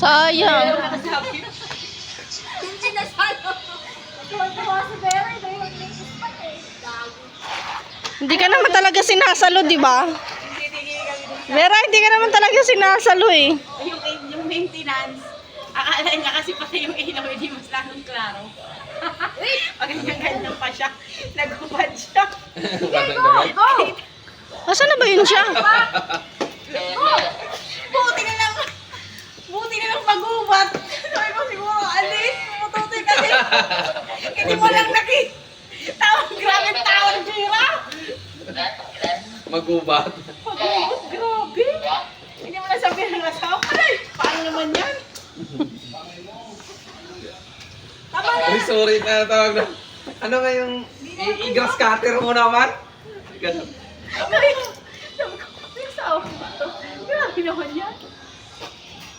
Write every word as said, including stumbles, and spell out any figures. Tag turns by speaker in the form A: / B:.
A: Sayang.
B: Yung sinasalo. Tuwa-tuwa si Vera, ito yung latest pa eh. Gago.
A: Hindi ka naman talaga sinasalo, di ba? Vera, hindi ka naman talaga sinasalo eh.
C: Yung, yung maintenance, akala niya kasi pati yung ilaw, hindi mas lalong klaro. Pag ganyan pa siya, nagubad siya.
B: Go!
A: Asan na ba yun siya?
C: Buti na lang, buti na lang magubad. Sabi ko siguro, alis, pumututoy ka din. Hindi mo lang nakit. Tawag, grabe tawag, Jira.
D: Magubat.
C: Pag-ubad, grabe. Hindi mo na sabihin ng asawa ko. Ay, paano naman yan? Tama na.
D: Ay, sorry na tawag na. Ano nga yung i- i-grass cutter mo naman? Ganun.
C: Sabi ko, sabi ko, yung asawa ko to. Grabe naman yan.